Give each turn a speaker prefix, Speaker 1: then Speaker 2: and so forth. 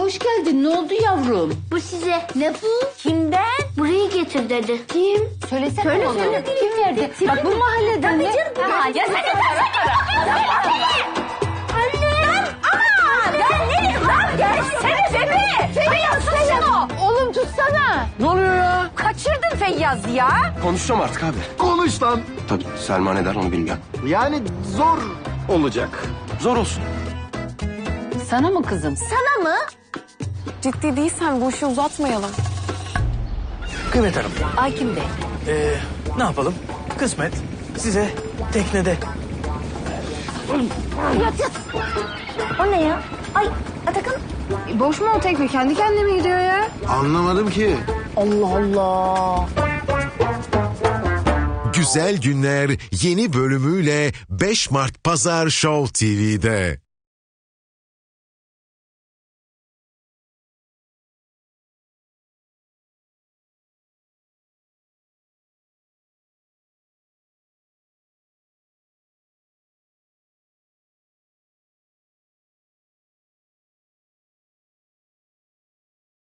Speaker 1: hoş geldin. Ne oldu yavrum?
Speaker 2: Bu size. Ne bu? Kimden? Burayı getir dedi.
Speaker 1: Kim? Söyle oğlum. Kim verdi? Bak bu mahalleden mi?
Speaker 2: Anne! Aa! Ben neyim lan? Gelsene be! Feyyaz tutsana!
Speaker 1: Oğlum tutsana.
Speaker 3: Ne oluyor ya?
Speaker 2: Kaçırdın Feyyaz ya.
Speaker 4: Konuşacağım artık abi.
Speaker 3: Konuş lan.
Speaker 4: Tabii Selma ne der onu bilmiyorum.
Speaker 3: Yani zor olacak.
Speaker 4: Zor olsun.
Speaker 1: Sana mı kızım?
Speaker 2: Sana mı?
Speaker 5: Ciddi değilsen bu işi uzatmayalım.
Speaker 6: Kıymet Hanım,
Speaker 1: Hakim Bey.
Speaker 6: ne yapalım? Kısmet size teknede.
Speaker 2: O ne ya? Ay Atakan.
Speaker 5: Boş mu o tekne? Kendi kendine mi gidiyor ya?
Speaker 3: Anlamadım ki.
Speaker 5: Allah Allah.
Speaker 7: Güzel Günler yeni bölümüyle 5 Mart Pazar Show TV'de.